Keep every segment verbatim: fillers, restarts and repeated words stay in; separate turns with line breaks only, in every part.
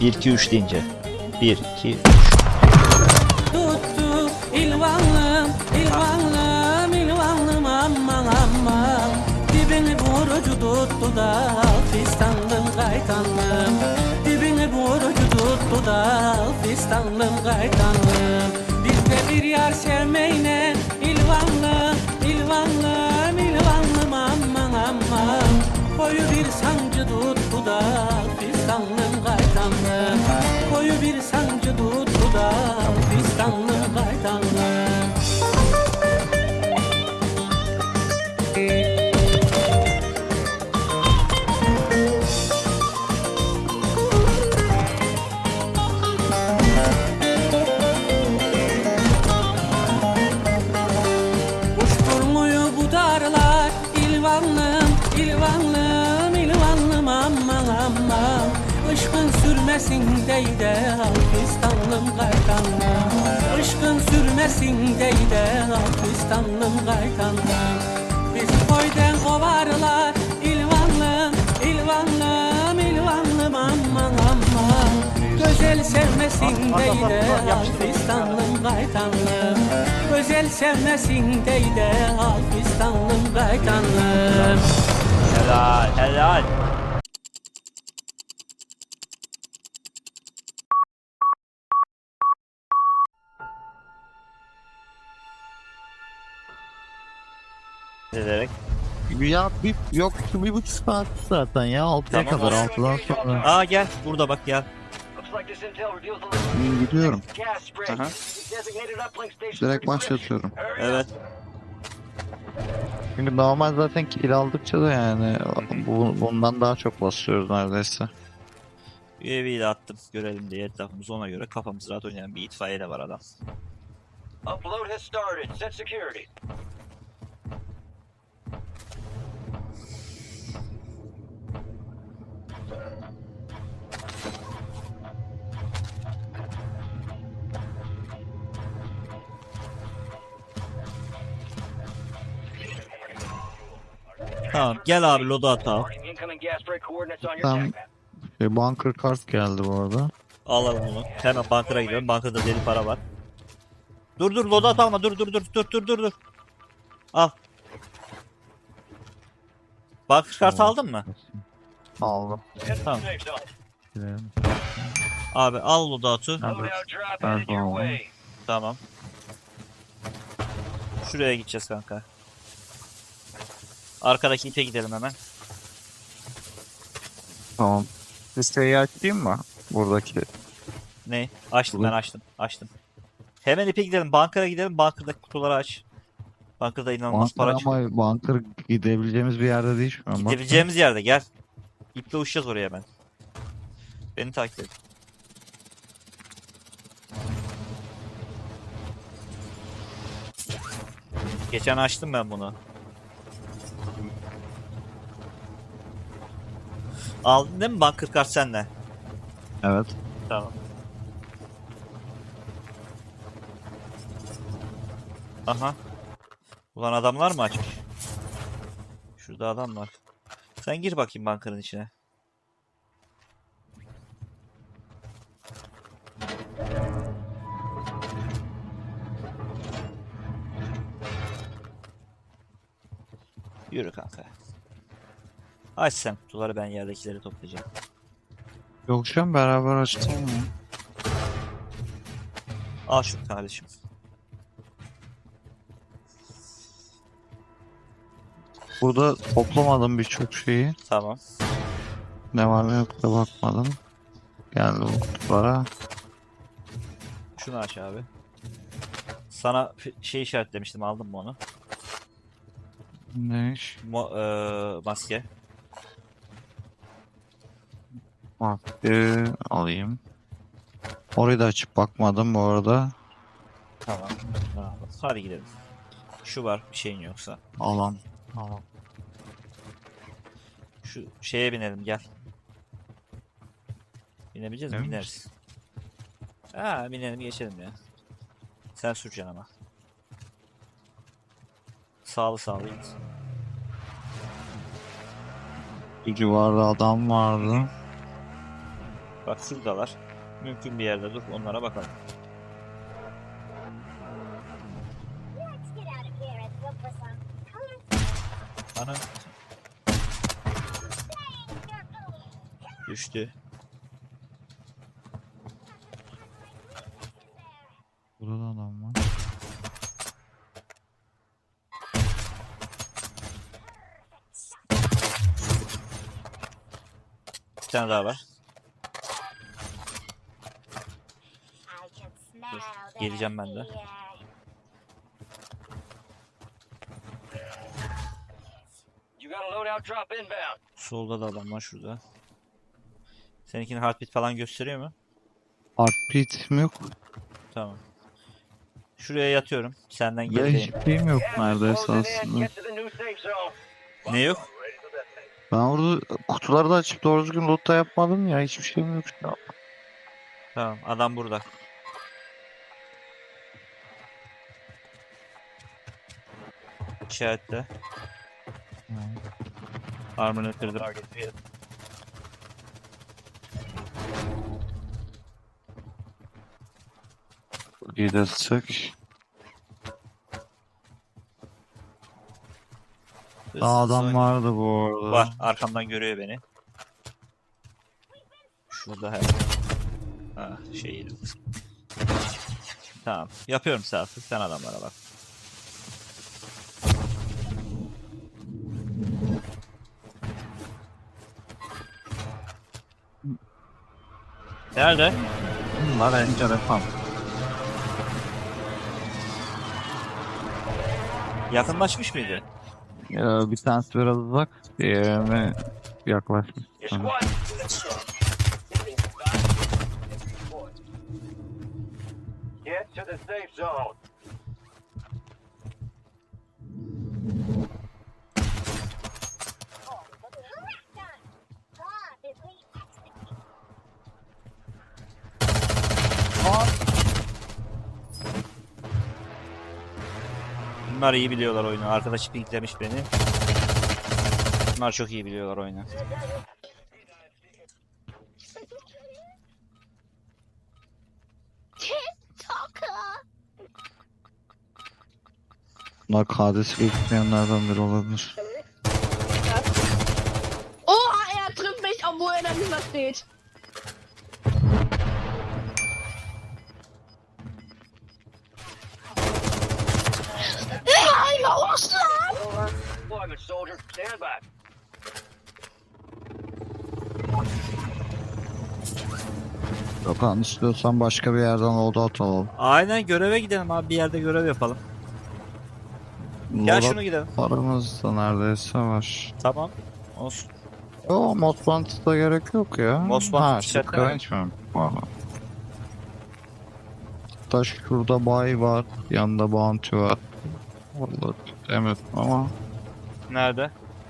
bir iki üç deyince. bir iki üç.
Tuttu ilvanlım, ilvanlım, ilvanlım aman aman. Dibini vurucu tuttu da fistanlım kaytanlım. Dibini vurucu tuttu da fistanlım kaytanlım. Bizde bir yar sevmeyne ilvanlım, ilvanlım, ilvanlım aman aman. Koyu bir sancı tuttu da fistanlım kaytanlım. Koyu bir sancı tuttu da fistanlım kaytanlım. Uçturmuyor bu darlar ilvanlım, ilvanlım, ilvanlım aman aman. Işkın sürmesin deyde Alpistanlım kaytanlım. Işkın sürmesin deyde Alpistanlım kaytanlım. Biz koydan kovarlar ilvanlım, ilvanlım, ilvanlım aman aman. Güzel sevmesin deyde Alpistanlım kaytanlım. Güzel sevmesin deyde Alpistanlım kaytanlım.
Helal helal. Ederek.
Ya bir yok bir buçuk saat zaten ya altıya
Tamam.
kadar altıdan sonra
Aa gel burada bak gel.
İyi, gidiyorum.
Aha.
Direkt başlatıyorum.
Evet.
Çünkü normal zaten kill aldıkça da yani bu, bundan daha çok basıyoruz neredeyse.
U A V'yi de attım görelim diye etrafımız ona göre kafamız rahat oynayan bir itfaiye de var adam.
Upload has started. Set security.
Tamam gel abi loda at al.
Incoming gas break coordinates on your
Tam
attack map.
şey, bunker kart geldi bu arada.
Alalım onu. Hemen bankara gidiyorum. Bankada deli para var. Dur dur loda at alma. Dur dur dur dur dur dur dur. Al. Banker kartı aldın mı?
Aldım.
Tamam.
Safe zone.
Girelim.
Abi al loda atı.
Loadout drop
Ben
headed your
tamam.
way.
Tamam. Şuraya gideceğiz kanka. Arkadaki ite gidelim hemen.
Tamam. Listeyi açayım mı? Buradaki.
Ne? Açtım ben
Olur.
açtım. Açtım. Hemen ipe gidelim. Bankara gidelim. Bankırdaki kutuları aç. Bankada inanılmaz
Bunker
para çıkıyor.
ama bunker gidebileceğimiz bir yerde değil şu an. bak.
Gidebileceğimiz yerde gel. İple uçacağız oraya ben. Beni takip et. Geçen açtım ben bunu. Aldın değil mi bunker kart sende?
Evet.
Tamam. Aha. Ulan adamlar mı açmış? Şurada adam var. Sen gir bakayım bankanın içine. Yürü kanka. Aç sen kutuları, ben yerdekileri toplayacağım.
Yok şu an beraber açtım mı?
Al şu kardeşim.
Burada toplamadım birçok şeyi.
Tamam.
Ne var ne yok da bakmadım. Geldi bu kutulara.
Şunu aç abi. Sana f- şey işaretlemiştim, aldın mı onu?
Ne iş?
Mo eee, maske.
Maske alayım. Orayı da açıp bakmadım bu arada.
Tamam. Bravo. Hadi gidelim. Şu var, bir şeyin yoksa.
Alan. Alan.
Şu şeye binelim, gel. Binebileceğiz mi?
Emin
Bineriz. Ha, binelim geçelim ya. Sen süreceksin ama. Sağlı sağlı git.
Bir civarda adam vardı.
Bak şuradalar. Mümkün bir yerde dur, onlara bakalım.
Let's get out of here and look for some colorful
Ana
things.
düştü.
Burada da adam var.
Bir tane daha var.
I can smell that
geleceğim ben de.
fear.
You got a loadout drop inbound.
Solda da adam var şurada. Seninkinin heartbeat falan gösteriyor mu?
Heartbeat mi yok?
Tamam. Şuraya yatıyorum. Senden
Ve
gerideyim.
hiçbir şeyim yok
Gas is
neredeyse
closing in.
aslında.
Get to the new safe zone.
Ne yok?
Ben orada kutuları da açıp doğru düzgün loot da yapmadım ya. Hiçbir şeyim yok şu an.
Tamam, adam burada. İşaretle. Armor'ını kırdım.
Gidersek. Aa, adam vardı bu arada.
Var. Arkamdan görüyor beni. Şurada her. Ah şey. Tamam. Yapıyorum saati. Sen adamlara bak. Nerede?
Bunlar enteresan.
Yakınlaşmış mıydı?
Ya, bir tanesi biraz uzak, diğerine yaklaşmış.
Your
Hı.
squad. Get to the safe zone.
Oh, correct done. Rapidly execute.
Bunlar iyi biliyorlar oyunu. Arkadaşı pinklemiş beni. Bunlar çok iyi biliyorlar oyunu.
TikToker.
Bunlar Kades'i bekleyenlerden biri olabilir.
Oh, er trifft mich, obwohl er dahinter steht. Ja, ich war ausschlag!
Deployment, soldier. Stand by.
Gökhan, istiyorsan başka bir yerden loadout alalım.
Aynen, göreve gidelim abi. Bir yerde görev yapalım. Gel
Loadout
şunu gidelim.
paramız da neredeyse var.
Tamam. Olsun.
Yo, Most Wanted'a gerek yok ya.
Most Wanted
Ha, işte
işaretlemem.
Cringe mi? Valla. Hatta şurada bay var. Yanında bounty var. Vallahi evet ama
Nerede?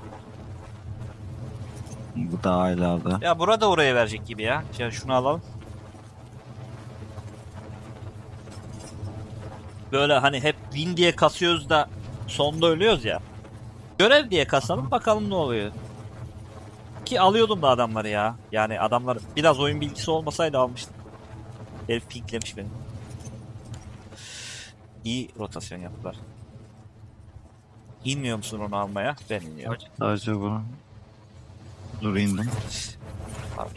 bu daha ileride.
Ya burada oraya verecek gibi ya. Ya şunu alalım. Böyle hani hep win diye kasıyoruz da sonda ölüyoruz ya. Görev diye kasalım, bakalım ne oluyor. Ki alıyordum da adamları ya. Yani adamlar biraz oyun bilgisi olmasaydı almıştım. Herif pinklemiş beni. İyi rotasyon yaptılar. İnmiyor musun onu almaya? Ben iniyorum.
Sadece bunu. Dur indim.
Abi.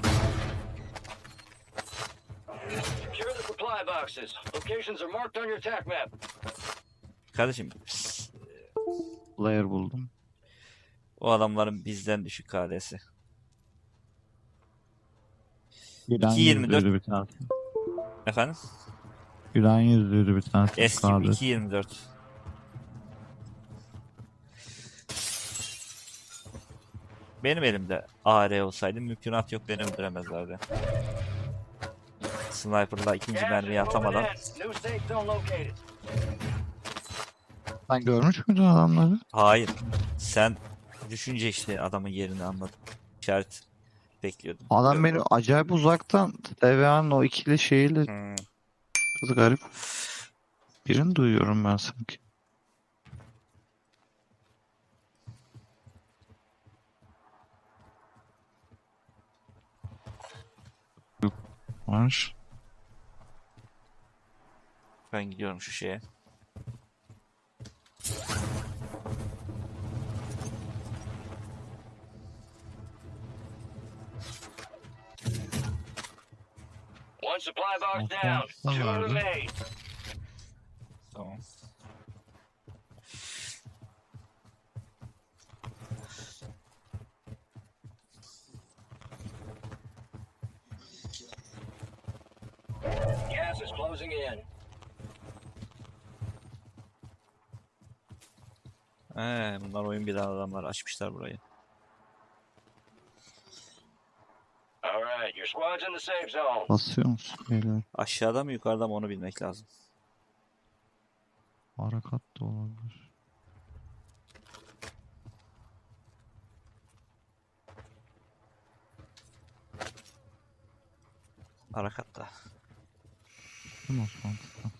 Secure the supply boxes. Locations are marked on your attack map.
Kardeşim
Player buldum.
o adamların bizden düşük K D'si.
Gülen
iki yirmi dört.
yüzlüydü bir tanesi.
Efendim?
Gülen yüzlüydü bir tanesi.
Eski
Sadece.
iki yirmi dört. Benim elimde A R olsaydı mümkünat yok, beni öldüremezlerdi. Sniper'la ikinci
Gas
mermiyi
is moving
atamadan.
in. New safe zone located.
Sen görmüş müydün adamları?
Hayır. Sen düşünce işte adamın yerini anladın. İşaret bekliyordum.
Adam beni acayip uzaktan T V A'nın o ikili şeyiyle
Hmm.
kız garip. Birini duyuyorum ben sanki. Yok var.
Ben gidiyorum şu şeye.
One supply box
Okay,
down. Two
tamam.
remain.
Tamam.
Gas is closing in.
Ee, bunlar oyun bilen adamlar açmışlar burayı.
All right, your squad's in the safe zone.
Basıyor musun beyler?
Aşağıda mı yukarıda mı onu bilmek lazım.
Harakat da olabilir.
Harakatta.
Değil mi Osman?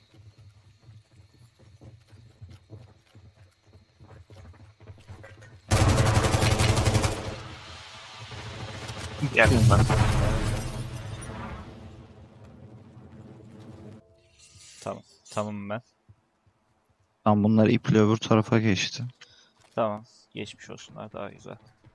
Gel bunlar. Tamam. Tamam ben.
Tam bunlar iple öbür tarafa geçti.
Tamam. Geçmiş olsunlar daha güzel.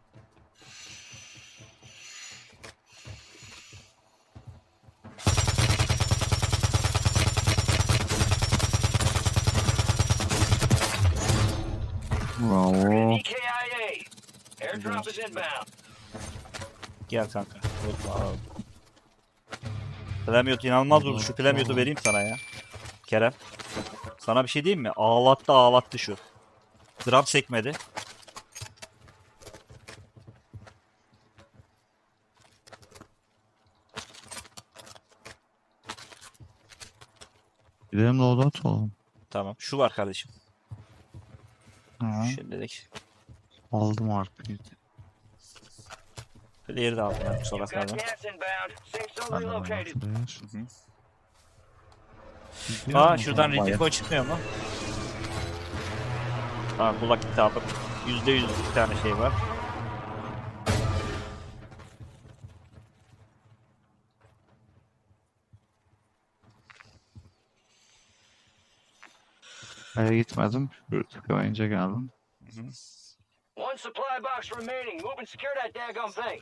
Bravo.
E K I A. Airdrop is inbound.
Gel kanka. Wow. Plemiot inanılmaz vurdu. Şu Plemiot'u vereyim sana ya. Kerem. Sana bir şey diyeyim mi? Ağlattı ağlattı şu. Gram sekmedi.
Gidelim loadout olalım.
Tamam. Şu var kardeşim.
Ha.
Şimdilik.
Aldım artık.
Player'ı da aldım ben bu
You've got
salaklardan.
gas inbound. Safe zone
Ben de bunu
relocated.
hatırlayır.
Aa şuradan Ritiko çıkmıyor mu? Aa kulak gitti aldım. yüzde yüz bir tane şey var.
Aya gitmedim. Şuraya tıkayınca geldim.
One supply box remaining. Move and secure that daggum thing.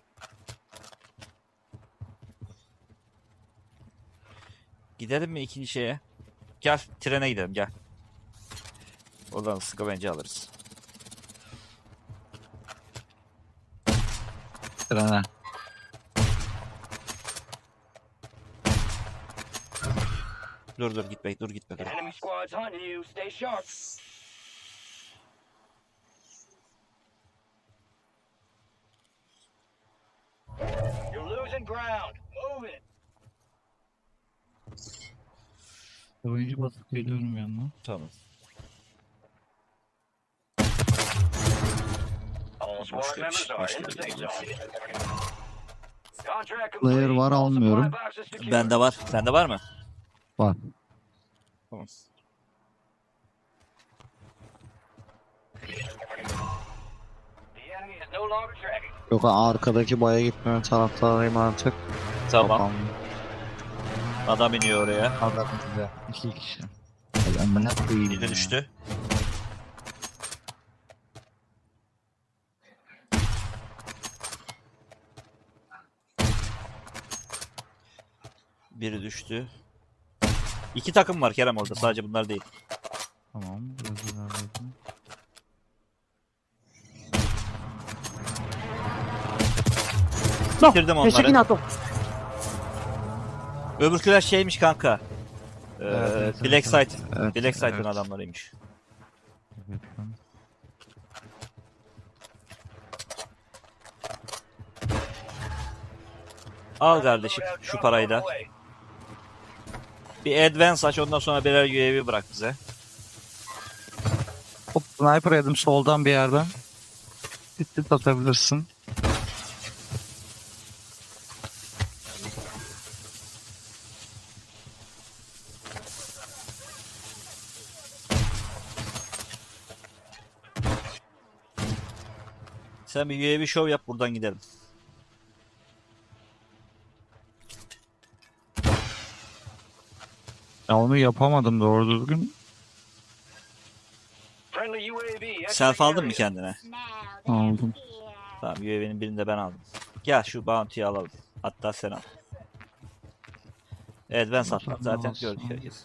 Gidelim mi ikinci şeye? Gel trene gidelim gel. Oradan sıkı bence alırız.
Trene.
Dur dur gitme dur gitme dur.
Enemy squad's hunting you. Stay sharp. You're losing ground. Move it.
Oyuncu basıp geliyorum yanına.
Tamam.
All squad members are in the safe zone. Contract
Player
complete.
var,
All
almıyorum.
supply boxes secured.
Bende var. Sende var mı?
Var.
Tamam.
The enemy is no longer tracking.
Yok arkadaki baya gitmeme taraftarıyım artık.
Tamam.
Kafam.
Adam iniyor oraya.
Adam bize. İki kişi. Ben bana koyayım.
Biri düştü. Biri düştü. İki takım var Kerem orada. Sadece bunlar değil.
Tamam. Biraz ilerledim.
Bitirdim onları. Öbürküler şeymiş kanka. Ee,
Evet, evet,
Black
evet,
Site.
evet,
Black Site'ın
evet.
adamlarıymış.
Evet, ben-
Al kardeşim şu parayı da. Bir advance aç ondan sonra birer U A V bırak bize.
Hop sniper yedim soldan bir yerden. Tit atabilirsin.
Sen bir U A V show yap buradan gidelim.
Ya onu yapamadım doğru düzgün.
Friendly U A V. exiting
Self aldın mı
area.
kendine?
Now
Aldım.
that's here.
Tamam, U A V'nin birini de ben aldım. Gel şu bounty'yi alalım. Hatta sen al. Evet ben sattım zaten
Olsun.
gördük herkes.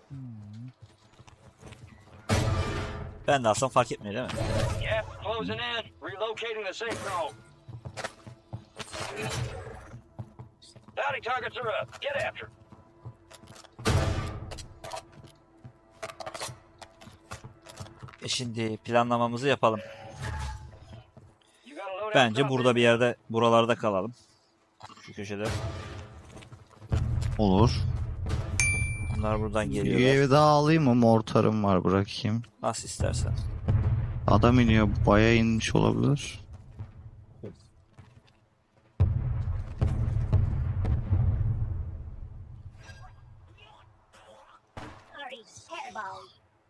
Ben de alsam fark etmiyor değil mi?
Yep, closing in. Relocating the safe zone. Bounty targets are up. Get after 'em.
E şimdi planlamamızı yapalım.
You got a loadout
Bence
drop
burada
in?
bir yerde buralarda kalalım. Şu köşede.
Olur.
Bunlar buradan
Bir
geliyorlar.
evi daha alayım mı? Mortarım var bırakayım.
Nasıl istersen.
Adam iniyor. Baya inmiş olabilir.
Hurry, hairball.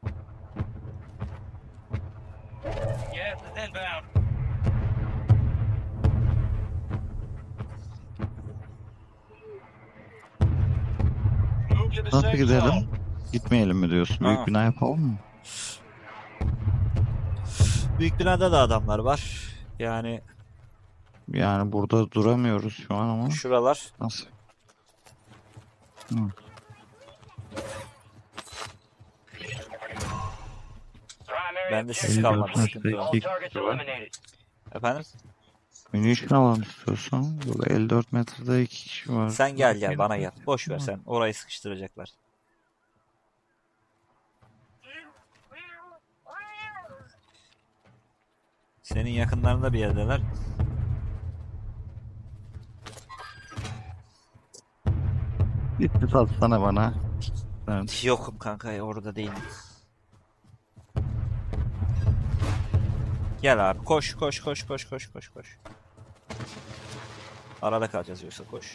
Yes, it's inbound. Move to the
Nasıl
safe
gidelim?
zone.
Gitmeyelim mi diyorsun? Büyük
Aa.
bina yapalım mı?
Büyük binada da adamlar var. Yani
Yani burada duramıyoruz şu an ama.
şuralar.
Nasıl?
Primary
Bende sis
objective
kalmadı.
Elli
Sıkıntı yok.
all targets eliminated.
Efendim?
Munition alalım istiyorsan. Burada elli dört metrede iki kişi var.
Sen gel gel bana gel. Boş ver sen. Orayı sıkıştıracaklar. Senin yakınlarında bir yerdeler.
Bitti satsana bana. Evet.
Yokum kanka ya, orada değilim. Gel abi koş koş koş koş koş koş koş. Arada kalacağız yoksa koş.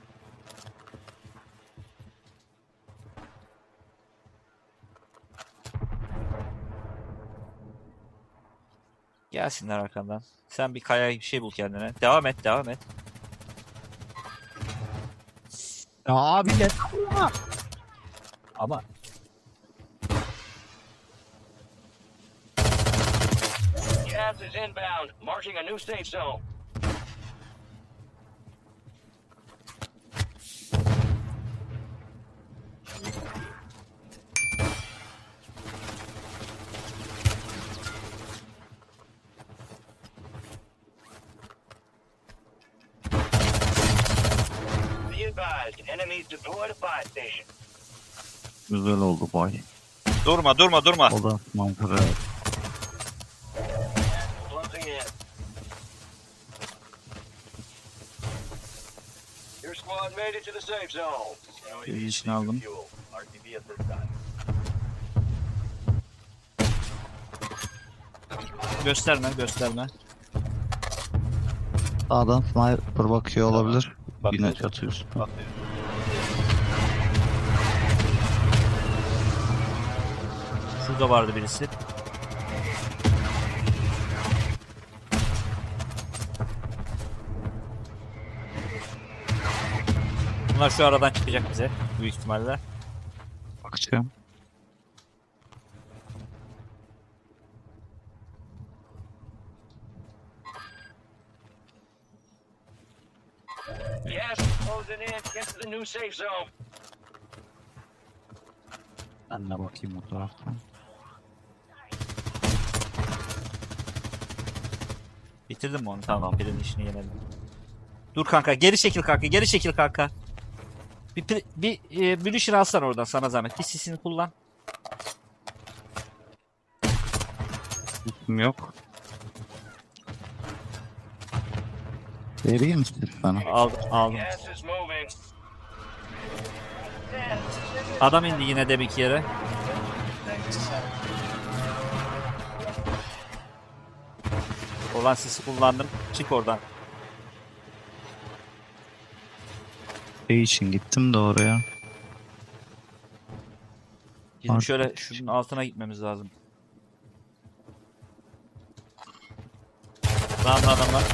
Gelsinler arkandan. Sen bir kaya bir şey bul kendine. Devam et devam et.
Ya abi ya.
Ama
Gas is inbound. Marking a new safe zone. Be advised, enemies deployed a buy station.
Güzel oldu bay.
durma durma durma.
O da mantıklı.
Closing in. Your squad made it to the safe zone.
Bir için aldım.
Fuel. R T B at this time.
Gösterme gösterme.
Sağdan sniper bakıyor olabilir.
Bakıyor.
Yine çatı üstü.
Şurada vardı birisi. Bunlar şu aradan çıkacak bize büyük ihtimalle.
Bakacağım.
Yes, closing in. Get to the new safe zone.
Ben de bakayım o taraftan.
Bitirdin mi onu? Tamam. Birinin işini yenelim. Dur kanka. Geri çekil kanka. Geri çekil kanka. Bir, pri- bir e, munition alsan oradan sana zahmet. Bir sisini kullan.
Üstüm yok. Vereyim mi sana?
Aldım. Aldım.
Gas is moving.
Adam indi yine de bir yere. Olan sisi kullandım. Çık oradan.
Şey için gittim de oraya.
Bizim
Artık-
şöyle şunun altına gitmemiz lazım. Sağımda adam var.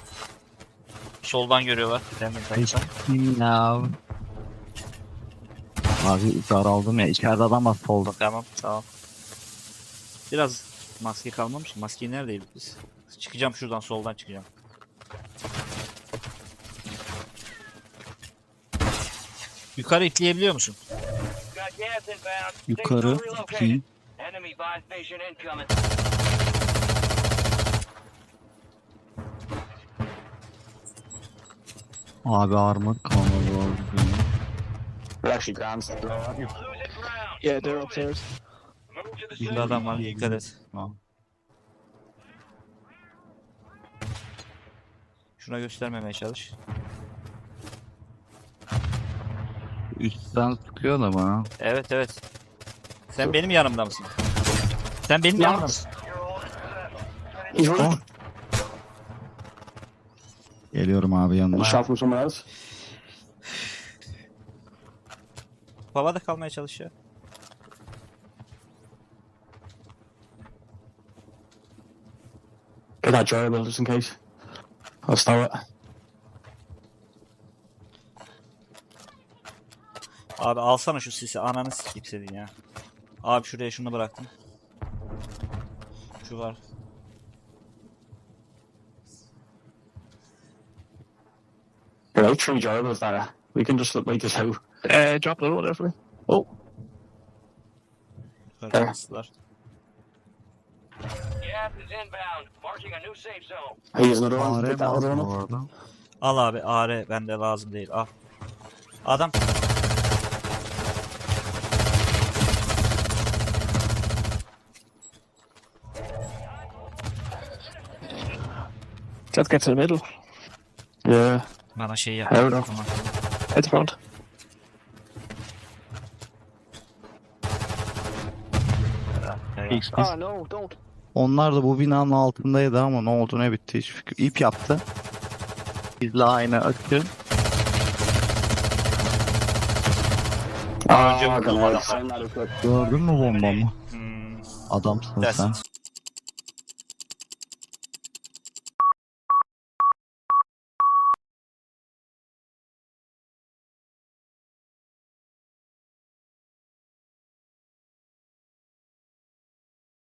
Soldan görüyorlar. Demin
Hiç
takipten.
ya. Abi daraldım ya. İçeride adam hasta oldu.
Tamam tamam. Biraz maske kalmamış. Maskeyi neredeydik biz? Çıkacağım şuradan, soldan çıkacağım. Yukarı itleyebiliyor musun?
Got gas inbound.
Yukarı.
Safe zone relocated.
Bakayım.
Enemy buy station incoming.
Abi armor kalmadı orada.
We're actually grand.
Losing ground.
Yeah, they're
Move it.
upstairs.
Move to the
Bir
safe
adam var,
zone.
dikkat et.
Tamam.
Şuna göstermemeye çalış.
Üstten sıkıyor da bana.
Evet evet. Sen benim yanımda mısın? Sen benim yanımda mısın?
He's running.
Geliyorum abi yanına.
Shot from somewhere else.
Havada kalmaya çalış ya.
Get that durable just in case. I'll stow it.
Abi alsana şu sisi, ananı sikeyim senin ya. Abi şuraya şunu bıraktım. Şu var.
There are three durables there. We can just wait this out. Uh, drop the load there for me. Oh,
Yukarı bastılar.
Gas is inbound. Marking a new safe zone.
here's another one.
Fare
Get that other
var
one up.
orada.
Al abi, A R bende lazım değil, al. Adam
Let's get to the middle.
Yeah,
bana şey yap.
Hold on.
Tamam.
At the front.
Ya, ya.
X, X.
Oh no, don't.
Onlar da bu binanın altındaydı ama ne oldu ne bitti hiç fikir. İp yaptı. Bizle aynı akı.
Daha önce
Oh,
vurdum
okay,
adamı.
send that up quick.
Gördün mü bombamı?
Hmm,
Adamsın
that's
sen.
it.